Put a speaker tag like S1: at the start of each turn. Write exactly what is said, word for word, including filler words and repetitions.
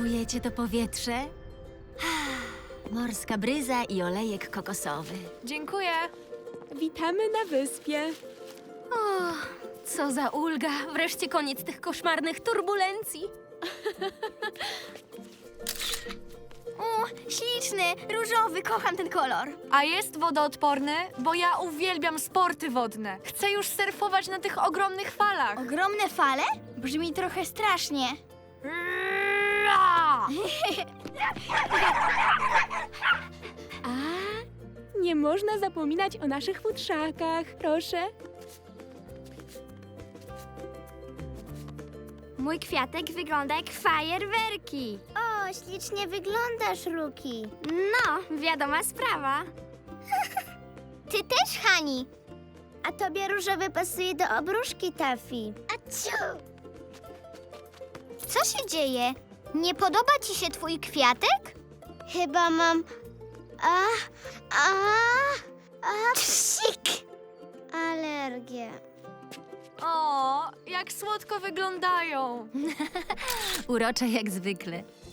S1: Czujecie to powietrze? Morska bryza i olejek kokosowy.
S2: Dziękuję.
S3: Witamy na wyspie.
S1: O, co za ulga! Wreszcie koniec tych koszmarnych turbulencji.
S4: O, śliczny, różowy, kocham ten kolor.
S2: A jest wodoodporny? Bo ja uwielbiam sporty wodne. Chcę już surfować na tych ogromnych falach.
S4: Ogromne fale? Brzmi trochę strasznie.
S2: Ra!
S3: A, nie można zapominać o naszych futrzakach. Proszę.
S4: Mój kwiatek wygląda jak fajerwerki. O, ślicznie wyglądasz, Ruki. No, wiadoma sprawa. Ty też, Hani. A tobie różowy pasuje do obruszki, Taffy. Aciu! Co się dzieje? Nie podoba ci się twój kwiatek? Chyba mam... A, a, a, psik! Alergię.
S2: O, jak słodko wyglądają.
S1: Urocze jak zwykle.